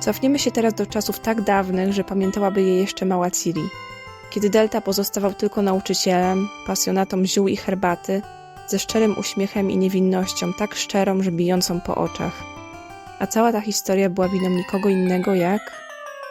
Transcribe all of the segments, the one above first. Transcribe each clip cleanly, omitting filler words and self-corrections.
Cofniemy się teraz do czasów tak dawnych, że pamiętałaby je jeszcze mała Ciri. Kiedy Delta pozostawał tylko nauczycielem, pasjonatą ziół i herbaty, ze szczerym uśmiechem i niewinnością, tak szczerą, że bijącą po oczach. A cała ta historia była winą nikogo innego jak...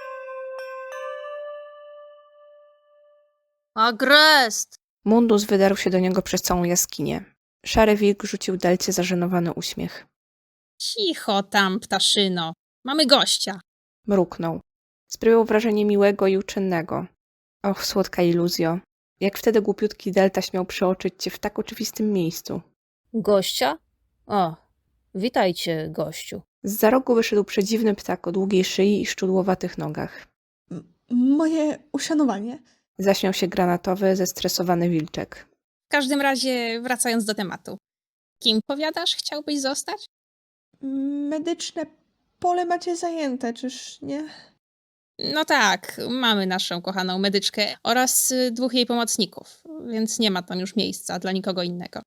Agrest! Mundus wydarł się do niego przez całą jaskinię. Szary wilk rzucił Delcie zażenowany uśmiech. Cicho tam, ptaszyno. Mamy gościa. Mruknął. Sprawiał wrażenie miłego i uczynnego. Och, słodka iluzjo. Jak wtedy głupiutki Delta śmiał przeoczyć cię w tak oczywistym miejscu. Gościa? O, witajcie, gościu. Zza rogu wyszedł przedziwny ptak o długiej szyi i szczudłowatych nogach. Moje uszanowanie. Zaśmiał się granatowy, zestresowany wilczek. W każdym razie, wracając do tematu. Kim, powiadasz, chciałbyś zostać? Medyczne pole macie zajęte, czyż nie? No tak, mamy naszą kochaną medyczkę oraz 2 jej pomocników, więc nie ma tam już miejsca dla nikogo innego.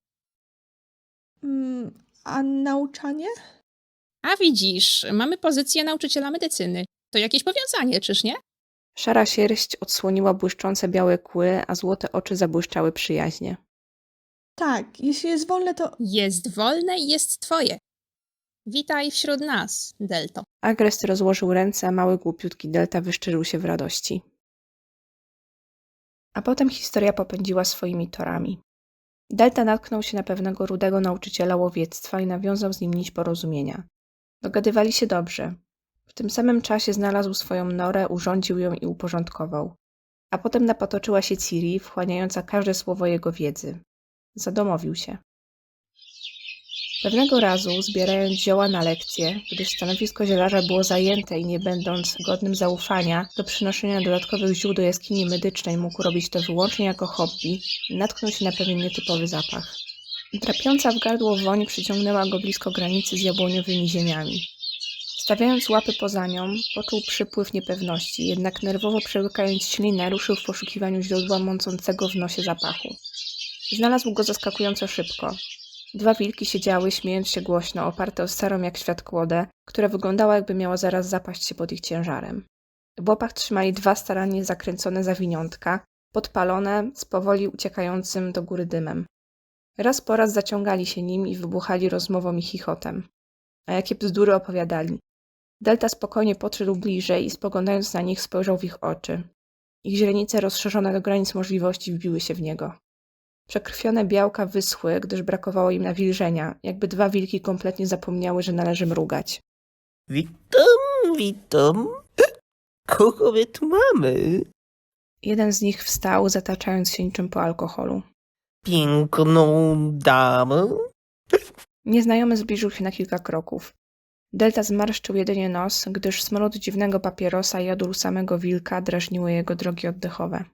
A nauczanie? A widzisz, mamy pozycję nauczyciela medycyny. To jakieś powiązanie, czyż nie? Szara sierść odsłoniła błyszczące białe kły, a złote oczy zabłyszczały przyjaźnie. Tak, jeśli jest wolne, to... Jest wolne i jest twoje. Witaj wśród nas, Delto. Agrest rozłożył ręce, a mały głupiutki Delta wyszczerzył się w radości. A potem historia popędziła swoimi torami. Delta natknął się na pewnego rudego nauczyciela łowiectwa i nawiązał z nim nić porozumienia. Dogadywali się dobrze. W tym samym czasie znalazł swoją norę, urządził ją i uporządkował. A potem napatoczyła się Ciri, wchłaniająca każde słowo jego wiedzy. Zadomowił się. Pewnego razu, zbierając zioła na lekcję, gdyż stanowisko zielarza było zajęte i nie będąc godnym zaufania do przynoszenia dodatkowych ziół do jaskini medycznej mógł robić to wyłącznie jako hobby, natknął się na pewien nietypowy zapach. Drapiąca w gardło woń przyciągnęła go blisko granicy z jabłoniowymi ziemiami. Stawiając łapy poza nią, poczuł przypływ niepewności, jednak nerwowo przełykając ślinę, ruszył w poszukiwaniu źródła mącącego w nosie zapachu. Znalazł go zaskakująco szybko. 2 wilki siedziały, śmiejąc się głośno, oparte o starą jak świat kłodę, która wyglądała, jakby miała zaraz zapaść się pod ich ciężarem. W łapach trzymali 2 starannie zakręcone zawiniątka, podpalone, z powoli uciekającym do góry dymem. Raz po raz zaciągali się nim i wybuchali rozmową i chichotem. A jakie bzdury opowiadali. Delta spokojnie podszedł bliżej i spoglądając na nich spojrzał w ich oczy. Ich źrenice rozszerzone do granic możliwości wbiły się w niego. Przekrwione białka wyschły, gdyż brakowało im nawilżenia, jakby 2 wilki kompletnie zapomniały, że należy mrugać. Witam. Kogo my tu mamy? Jeden z nich wstał, zataczając się niczym po alkoholu. Piękną damę? Nieznajomy zbliżył się na kilka kroków. Delta zmarszczył jedynie nos, gdyż smród dziwnego papierosa i jodór samego wilka drażniły jego drogi oddechowe.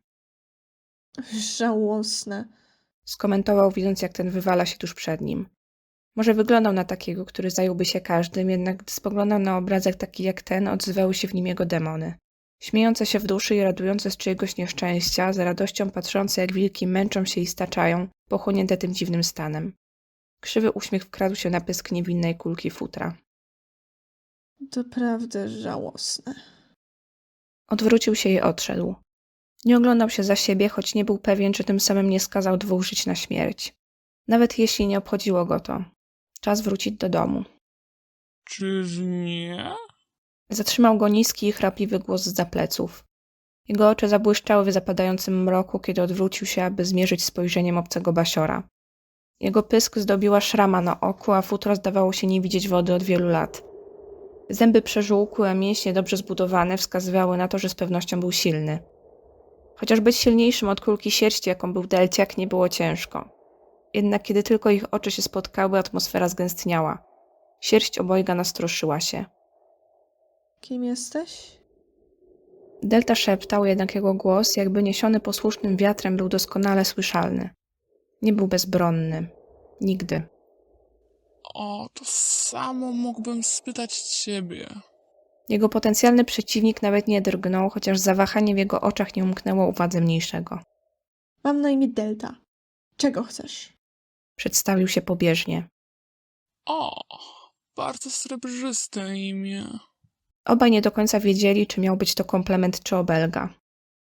Żałosne. Skomentował, widząc jak ten wywala się tuż przed nim. Może wyglądał na takiego, który zająłby się każdym, jednak gdy spoglądał na obrazek taki jak ten, odzywały się w nim jego demony. Śmiejące się w duszy i radujące z czyjegoś nieszczęścia, z radością patrzące jak wilki męczą się i staczają, pochłonięte tym dziwnym stanem. Krzywy uśmiech wkradł się na pysk niewinnej kulki futra. Doprawdy żałosne. Odwrócił się i odszedł. Nie oglądał się za siebie, choć nie był pewien, czy tym samym nie skazał 2 żyć na śmierć. Nawet jeśli nie obchodziło go to. Czas wrócić do domu. Czyż nie? Zatrzymał go niski i chrapliwy głos zza pleców. Jego oczy zabłyszczały w zapadającym mroku, kiedy odwrócił się, aby zmierzyć spojrzeniem obcego basiora. Jego pysk zdobiła szrama na oku, a futro zdawało się nie widzieć wody od wielu lat. Zęby przeżółkłe, a mięśnie dobrze zbudowane wskazywały na to, że z pewnością był silny. Chociaż być silniejszym od kulki sierści, jaką był Delciak, nie było ciężko. Jednak kiedy tylko ich oczy się spotkały, atmosfera zgęstniała. Sierść obojga nastroszyła się. Kim jesteś? Delta szeptał, jednak jego głos, jakby niesiony posłusznym wiatrem, był doskonale słyszalny. Nie był bezbronny. Nigdy. O, to samo mógłbym spytać ciebie. Jego potencjalny przeciwnik nawet nie drgnął, chociaż zawahanie w jego oczach nie umknęło uwadze mniejszego. Mam na imię Delta. Czego chcesz? Przedstawił się pobieżnie. O, bardzo srebrzyste imię. Obaj nie do końca wiedzieli, czy miał być to komplement czy obelga.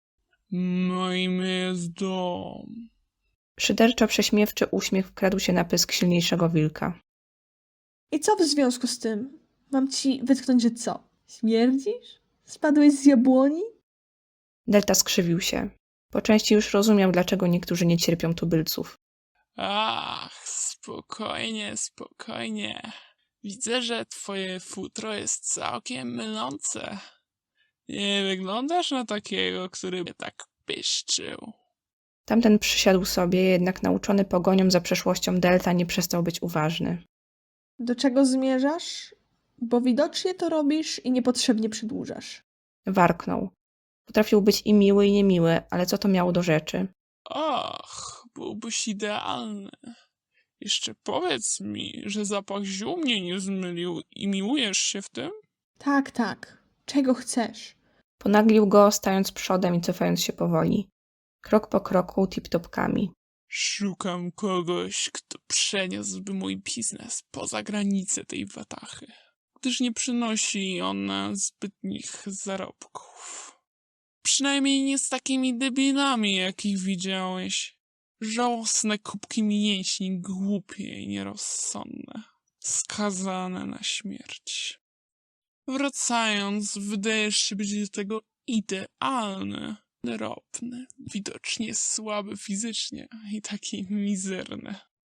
No i my jest dom. Szyderczo prześmiewczy uśmiech wkradł się na pysk silniejszego wilka. I co w związku z tym? Mam ci wytknąć, że co? Śmierdzisz? Spadłeś z jabłoni? Delta skrzywił się. Po części już rozumiał, dlaczego niektórzy nie cierpią tubylców. Ach, spokojnie, spokojnie. Widzę, że twoje futro jest całkiem mylące. Nie wyglądasz na takiego, który by tak pyszczył. Tamten przysiadł sobie, jednak nauczony pogonią za przeszłością Delta nie przestał być uważny. Do czego zmierzasz? Bo widocznie to robisz i niepotrzebnie przedłużasz. Warknął. Potrafił być i miły, i niemiły, ale co to miało do rzeczy? Och, byłbyś idealny. Jeszcze powiedz mi, że zapach ziół mnie nie zmylił i miłujesz się w tym? Tak, tak. Czego chcesz? Ponaglił go, stając przodem i cofając się powoli. Krok po kroku, tip-topkami. Szukam kogoś, kto przeniósłby mój biznes poza granice tej watachy, gdyż nie przynosi ona zbytnich zarobków. Przynajmniej nie z takimi debilami, jakich widziałeś. Żałosne kubki mięśni, głupie i nierozsądne, skazane na śmierć. Wracając, wydajesz się być do tego idealny. Drobny, widocznie słaby fizycznie i taki mizerny.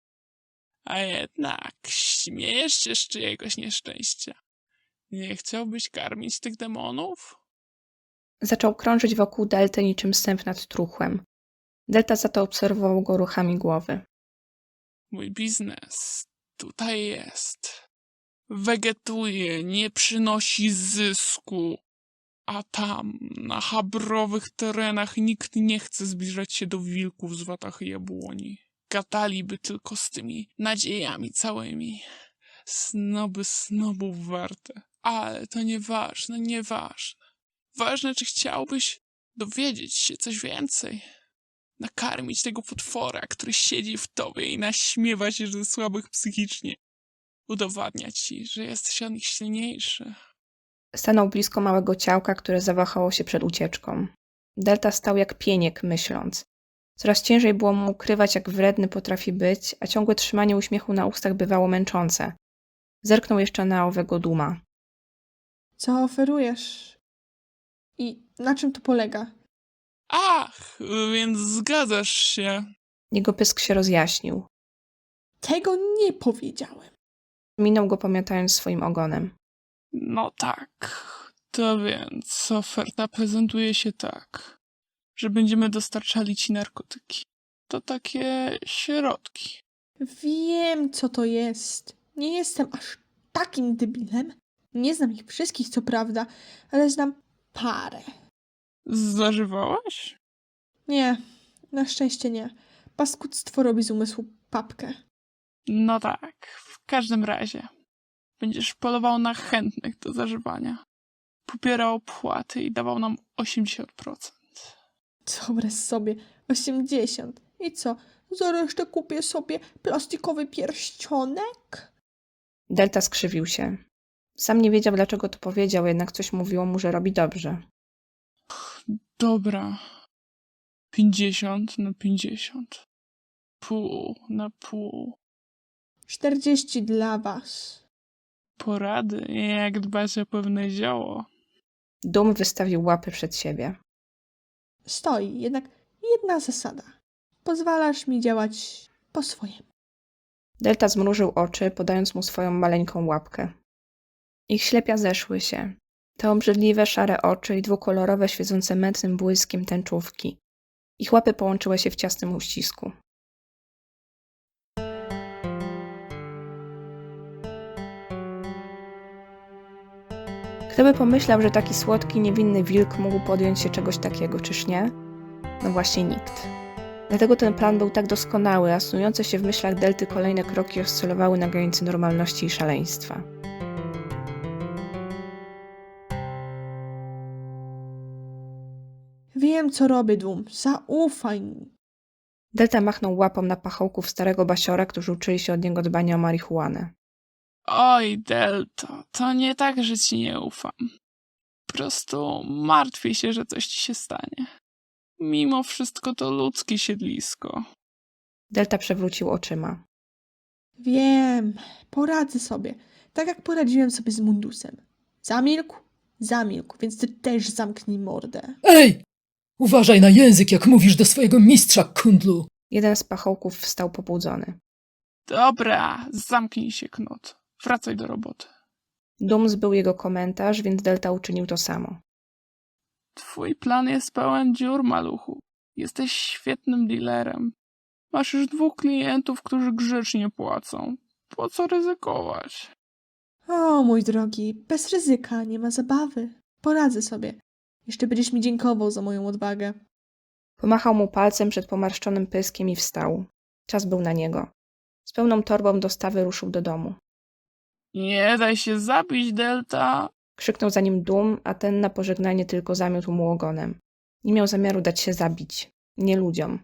A jednak śmiejesz się z czyjegoś nieszczęścia. Nie chciałbyś karmić tych demonów? Zaczął krążyć wokół Delty niczym sęp nad truchłem. Delta za to obserwował go ruchami głowy. Mój biznes tutaj jest. Wegetuje, nie przynosi zysku. A tam, na chabrowych terenach, nikt nie chce zbliżać się do wilków z watachy jabłoni. Gadaliby tylko z tymi nadziejami całymi. Snoby snobów warte. Ale to nieważne, nieważne. Ważne, czy chciałbyś dowiedzieć się coś więcej. Nakarmić tego potwora, który siedzi w tobie i naśmiewa się ze słabych psychicznie. Udowadnia ci, że jesteś od nich silniejszy. Stanął blisko małego ciałka, które zawahało się przed ucieczką. Delta stał jak pieniek, myśląc. Coraz ciężej było mu ukrywać, jak wredny potrafi być, a ciągłe trzymanie uśmiechu na ustach bywało męczące. Zerknął jeszcze na owego duma. Co oferujesz? I na czym to polega? Ach, więc zgadzasz się. Jego pysk się rozjaśnił. Tego nie powiedziałem. Minął go, pomiatając swoim ogonem. No tak. To więc oferta prezentuje się tak, że będziemy dostarczali ci narkotyki. To takie środki. Wiem, co to jest. Nie jestem aż takim debilem. Nie znam ich wszystkich, co prawda, ale znam parę. Zażywałaś? Nie, na szczęście nie. Paskudztwo robi z umysłu papkę. No tak, w każdym razie. Będziesz polował na chętnych do zażywania. Pobierał opłaty i dawał nam 80%. Dobre sobie, 80. I co, za resztę kupię sobie plastikowy pierścionek? Delta skrzywił się. Sam nie wiedział, dlaczego to powiedział, jednak coś mówiło mu, że robi dobrze. Dobra. 50 na 50. Pół na pół. 40 dla was. Porady, jak dbać o pewne zioło. Dum wystawił łapy przed siebie. Stoi, jednak jedna zasada. Pozwalasz mi działać po swojemu. Delta zmrużył oczy, podając mu swoją maleńką łapkę. Ich ślepia zeszły się. Te obrzydliwe, szare oczy i dwukolorowe, świecące mętnym błyskiem tęczówki. Ich łapy połączyły się w ciasnym uścisku. Kto by pomyślał, że taki słodki, niewinny wilk mógł podjąć się czegoś takiego, czyż nie? No właśnie nikt. Dlatego ten plan był tak doskonały, a snujące się w myślach Delty kolejne kroki oscylowały na granicy normalności i szaleństwa. Wiem, co robię, Dum. Zaufaj mi. Delta machnął łapą na pachołków starego basiora, którzy uczyli się od niego dbania o marihuanę. Oj, Delta, to nie tak, że ci nie ufam. prostu martwię się, że coś ci się stanie. Mimo wszystko to ludzkie siedlisko. Delta przewrócił oczyma. Wiem, poradzę sobie. Tak jak poradziłem sobie z Mundusem. Zamilkł? Zamilkł, więc ty też zamknij mordę. Ej! Uważaj na język, jak mówisz do swojego mistrza, kundlu! Jeden z pachołków wstał pobudzony. Dobra, zamknij się, Knut. Wracaj do roboty. Dum zbył jego komentarz, więc Delta uczynił to samo. Twój plan jest pełen dziur, maluchu. Jesteś świetnym dealerem. Masz już 2 klientów, którzy grzecznie płacą. Po co ryzykować? O, mój drogi, bez ryzyka, nie ma zabawy. Poradzę sobie. Jeszcze będziesz mi dziękował za moją odwagę. Pomachał mu palcem przed pomarszczonym pyskiem i wstał. Czas był na niego. Z pełną torbą dostawy ruszył do domu. Nie daj się zabić, Delta. Krzyknął za nim Dum, a ten na pożegnanie tylko zamiótł mu ogonem. Nie miał zamiaru dać się zabić. Nie ludziom.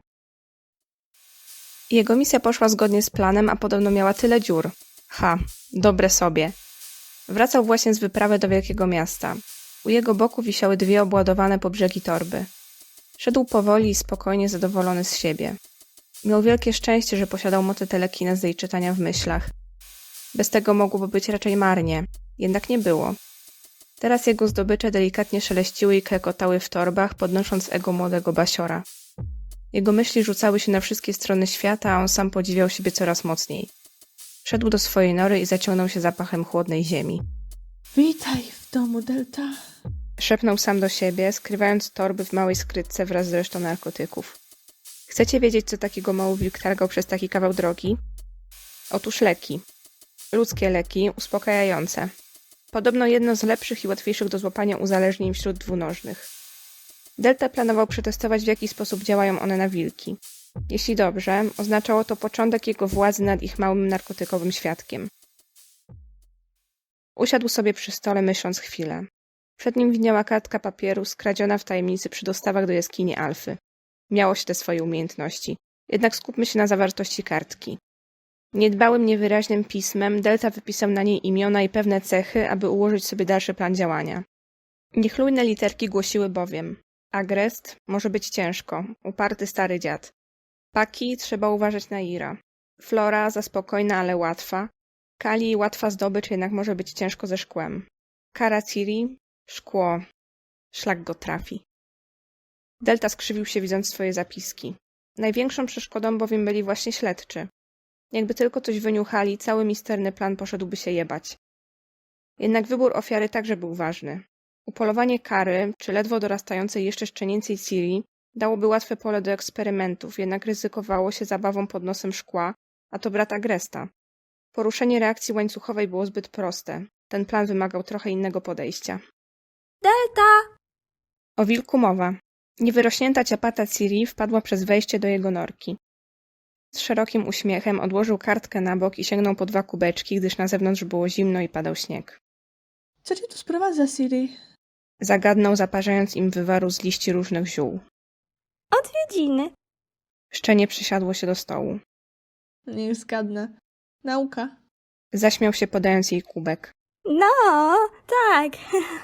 Jego misja poszła zgodnie z planem, a podobno miała tyle dziur. Dobre sobie. Wracał właśnie z wyprawy do wielkiego miasta. U jego boku wisiały 2 obładowane po brzegi torby. Szedł powoli i spokojnie, zadowolony z siebie. Miał wielkie szczęście, że posiadał mocy telekinezy i czytania w myślach. Bez tego mogłoby być raczej marnie, jednak nie było. Teraz jego zdobycze delikatnie szeleściły i klekotały w torbach, podnosząc ego młodego basiora. Jego myśli rzucały się na wszystkie strony świata, a on sam podziwiał siebie coraz mocniej. Wszedł do swojej nory i zaciągnął się zapachem chłodnej ziemi. Witaj w domu, Delta. Szepnął sam do siebie, skrywając torby w małej skrytce wraz z resztą narkotyków. Chcecie wiedzieć, co takiego mały wilk targał przez taki kawał drogi? Otóż leki. Ludzkie leki, uspokajające. Podobno jedno z lepszych i łatwiejszych do złapania uzależnień wśród dwunożnych. Delta planował przetestować, w jaki sposób działają one na wilki. Jeśli dobrze, oznaczało to początek jego władzy nad ich małym narkotykowym świadkiem. Usiadł sobie przy stole, myśląc chwilę. Przed nim widniała kartka papieru skradziona w tajemnicy przy dostawach do jaskini Alfy. Miało się te swoje umiejętności. Jednak skupmy się na zawartości kartki. Niedbałym, niewyraźnym pismem Delta wypisał na niej imiona i pewne cechy, aby ułożyć sobie dalszy plan działania. Niechlujne literki głosiły bowiem: Agrest może być ciężko, uparty stary dziad. Paki trzeba uważać na Ira. Flora za spokojna, ale łatwa. Kali łatwa zdobycz, jednak może być ciężko ze szkłem. Karaciri szkło. Szlak go trafi. Delta skrzywił się, widząc swoje zapiski. Największą przeszkodą bowiem byli właśnie śledczy. Jakby tylko coś wyniuchali, cały misterny plan poszedłby się jebać. Jednak wybór ofiary także był ważny. Upolowanie Kary, czy ledwo dorastającej jeszcze szczenięcej Ciri, dałoby łatwe pole do eksperymentów, jednak ryzykowało się zabawą pod nosem szkła, a to brat Agresta. Poruszenie reakcji łańcuchowej było zbyt proste. Ten plan wymagał trochę innego podejścia. Delta! O wilku mowa. Niewyrośnięta ciapata Ciri wpadła przez wejście do jego norki. Z szerokim uśmiechem odłożył kartkę na bok i sięgnął po 2 kubeczki, gdyż na zewnątrz było zimno i padał śnieg. Co cię tu sprowadza, Siri? Zagadnął, zaparzając im wywaru z liści różnych ziół. Odwiedziny. Szczenie przysiadło się do stołu. Niech zgadnę. Nauka. Zaśmiał się, podając jej kubek. No, tak.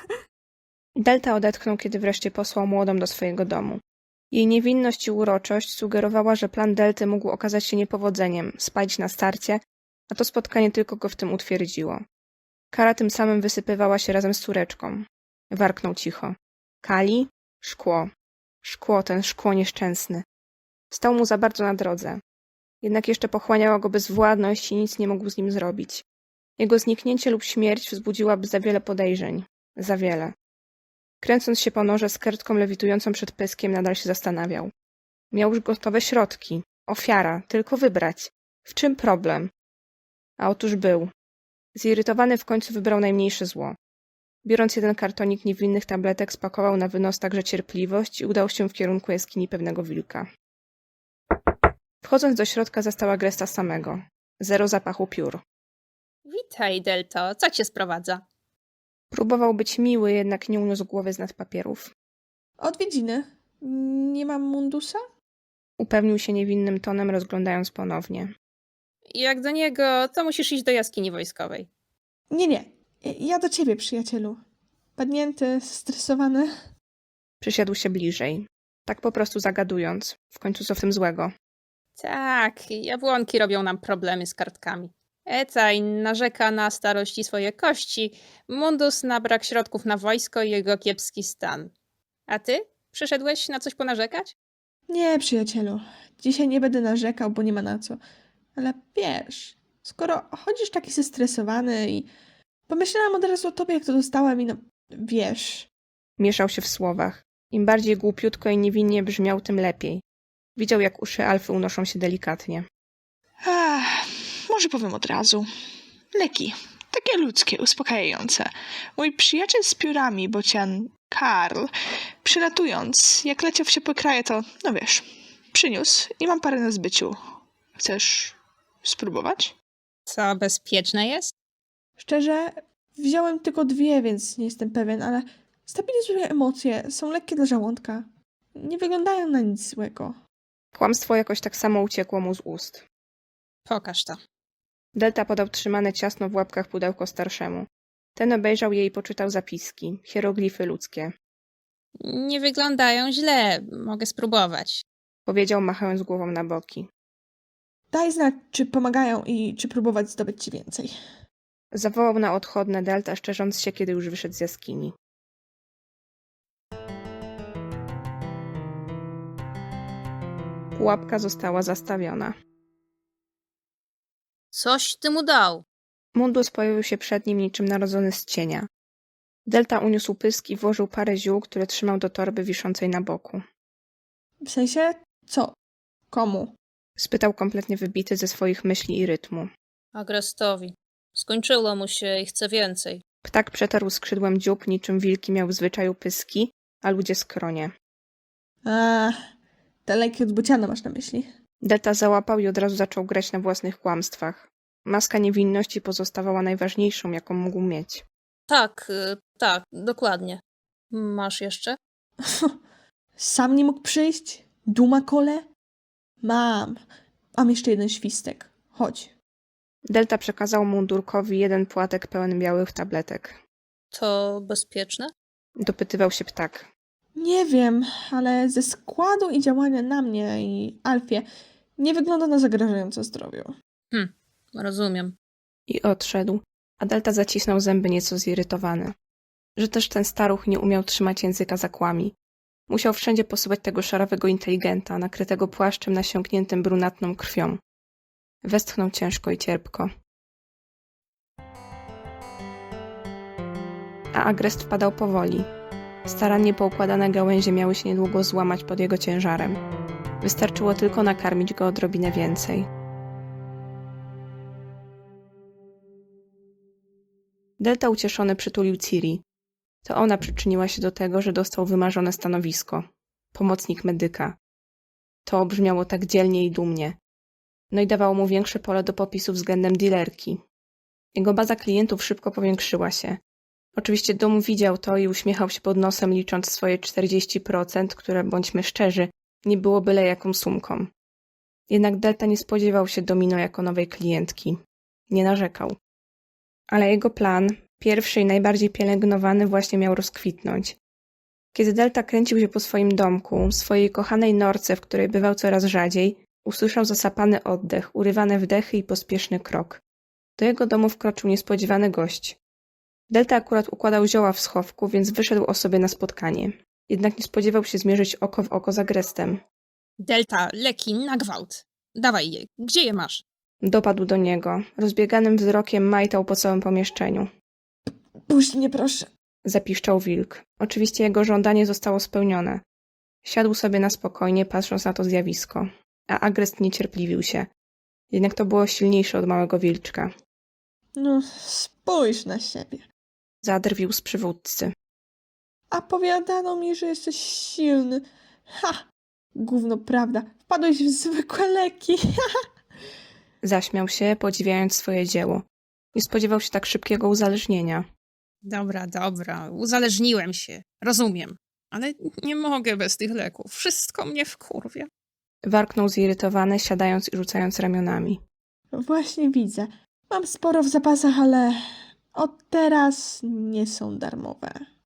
Delta odetchnął, kiedy wreszcie posłał młodą do swojego domu. Jej niewinność i uroczość sugerowała, że plan Delty mógł okazać się niepowodzeniem, spalić na starcie, a to spotkanie tylko go w tym utwierdziło. Kara tym samym wysypywała się razem z córeczką. Warknął cicho. Kali? Szkło. Szkło, ten szkło nieszczęsny. Stał mu za bardzo na drodze. Jednak jeszcze pochłaniała go bezwładność i nic nie mógł z nim zrobić. Jego zniknięcie lub śmierć wzbudziłaby za wiele podejrzeń. Za wiele. Kręcąc się po norze z kartką lewitującą przed pyskiem, nadal się zastanawiał. Miał już gotowe środki. Ofiara. Tylko wybrać. W czym problem? A otóż był. Zirytowany w końcu wybrał najmniejsze zło. Biorąc jeden kartonik niewinnych tabletek, spakował na wynos także cierpliwość i udał się w kierunku jaskini pewnego wilka. Wchodząc do środka, zastał Agresta samego. 0 zapachu piór. Witaj, Delto. Co cię sprowadza? Próbował być miły, jednak nie uniósł głowy z nad papierów. Odwiedziny. Nie mam mundusa? Upewnił się niewinnym tonem, rozglądając ponownie. Jak do niego, to musisz iść do jaskini wojskowej. Nie. Ja do ciebie, przyjacielu. padnięty, stresowany. Przysiadł się bliżej, tak po prostu zagadując. W końcu co w tym złego? Tak, jabłonki robią nam problemy z kartkami. Ecaj narzeka na starość i swoje kości, Mundus na brak środków na wojsko i jego kiepski stan. A ty? Przyszedłeś na coś ponarzekać? Nie, przyjacielu, dzisiaj nie będę narzekał, bo nie ma na co. Ale wiesz, skoro chodzisz taki zestresowany i pomyślałam od razu o tobie, jak to dostałem i no, wiesz. Mieszał się w słowach. Im bardziej głupiutko i niewinnie brzmiał, tym lepiej. Widział, jak uszy Alfy unoszą się delikatnie. Może powiem od razu. Leki. Takie ludzkie, uspokajające. Mój przyjaciel z piórami, bocian Karl, przylatując, jak leciał w ciepłe kraje, to, no wiesz, przyniósł i mam parę na zbyciu. Chcesz spróbować? Co bezpieczne jest? Szczerze, wziąłem tylko 2, więc nie jestem pewien, ale stabilizują emocje, są lekkie dla żołądka. Nie wyglądają na nic złego. Kłamstwo jakoś tak samo uciekło mu z ust. Pokaż to. Delta podał trzymane ciasno w łapkach pudełko starszemu. Ten obejrzał je i poczytał zapiski, hieroglify ludzkie. Nie wyglądają źle, mogę spróbować. Powiedział, machając głową na boki. Daj znać, czy pomagają i czy próbować zdobyć ci więcej. Zawołał na odchodne Delta, szczerząc się, kiedy już wyszedł z jaskini. Pułapka została zastawiona. Coś ty mu dał. Mundus pojawił się przed nim niczym narodzony z cienia. Delta uniósł pysk i włożył parę ziół, które trzymał do torby wiszącej na boku. W sensie, co? Komu? Spytał kompletnie wybity ze swoich myśli i rytmu. Agrestowi. Skończyło mu się i chce więcej. Ptak przetarł skrzydłem dziób, niczym wilki miał w zwyczaju pyski, a ludzie skronie. Te leki od bociana masz na myśli. Delta załapał i od razu zaczął grać na własnych kłamstwach. Maska niewinności pozostawała najważniejszą, jaką mógł mieć. Tak, dokładnie. Masz jeszcze? Sam nie mógł przyjść? Duma kole? Mam jeszcze jeden świstek. Chodź. Delta przekazał mundurkowi jeden płatek pełen białych tabletek. To bezpieczne? Dopytywał się ptak. Nie wiem, ale ze składu i działania na mnie i Alfie nie wygląda na zagrażające zdrowiu. Rozumiem. I odszedł, a Delta zacisnął zęby nieco zirytowany. Że też ten staruch nie umiał trzymać języka za kłami. Musiał wszędzie posyłać tego szarawego inteligenta, nakrytego płaszczem nasiąkniętym brunatną krwią. Westchnął ciężko i cierpko. A Agrest wpadał powoli. Starannie poukładane gałęzie miały się niedługo złamać pod jego ciężarem. Wystarczyło tylko nakarmić go odrobinę więcej. Delta ucieszony przytulił Ciri. To ona przyczyniła się do tego, że dostał wymarzone stanowisko. Pomocnik medyka. To brzmiało tak dzielnie i dumnie. No i dawało mu większe pole do popisu względem dealerki. Jego baza klientów szybko powiększyła się. Oczywiście Dom widział to i uśmiechał się pod nosem, licząc swoje 40%, które, bądźmy szczerzy, nie było byle jaką sumką. Jednak Delta nie spodziewał się Domino jako nowej klientki. Nie narzekał. Ale jego plan, pierwszy i najbardziej pielęgnowany, właśnie miał rozkwitnąć. Kiedy Delta kręcił się po swoim domku, swojej kochanej norce, w której bywał coraz rzadziej, usłyszał zasapany oddech, urywane wdechy i pospieszny krok. Do jego domu wkroczył niespodziewany gość. Delta akurat układał zioła w schowku, więc wyszedł o sobie na spotkanie. Jednak nie spodziewał się zmierzyć oko w oko z Agrestem. Delta, leki, na gwałt. Dawaj je. Gdzie je masz? Dopadł do niego. Rozbieganym wzrokiem majtał po całym pomieszczeniu. Puść mnie, proszę. Zapiszczał wilk. Oczywiście jego żądanie zostało spełnione. Siadł sobie na spokojnie, patrząc na to zjawisko. A Agrest niecierpliwił się. Jednak to było silniejsze od małego wilczka. No, spójrz na siebie. Zadrwił z przywódcy. A powiadano mi, że jesteś silny. Ha! Gówno prawda. Wpadłeś w zwykłe leki. Zaśmiał się, podziwiając swoje dzieło. Nie spodziewał się tak szybkiego uzależnienia. Dobra. Uzależniłem się. Rozumiem. Ale nie mogę bez tych leków. Wszystko mnie wkurwia. Warknął zirytowany, siadając i rzucając ramionami. Właśnie widzę. Mam sporo w zapasach, ale od teraz nie są darmowe.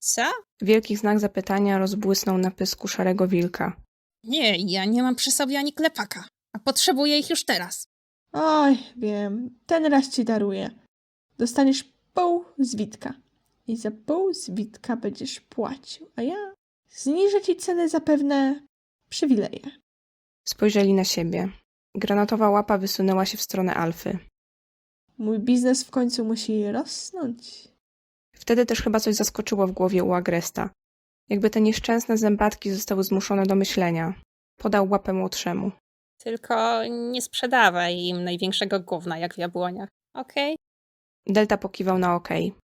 Co? Wielki znak zapytania rozbłysnął na pysku szarego wilka. Nie, ja nie mam przy sobie ani klepaka, a potrzebuję ich już teraz. Oj, wiem, ten raz ci daruję. Dostaniesz pół zwitka. I za pół zwitka będziesz płacił, a ja zniżę ci cenę za pewne przywileje. Spojrzeli na siebie. Granatowa łapa wysunęła się w stronę Alfy. Mój biznes w końcu musi rosnąć. Wtedy też chyba coś zaskoczyło w głowie u Agresta. Jakby te nieszczęsne zębatki zostały zmuszone do myślenia. Podał łapę młodszemu. Tylko nie sprzedawaj im największego gówna jak w jabłoniach, okej? Delta pokiwał na okej.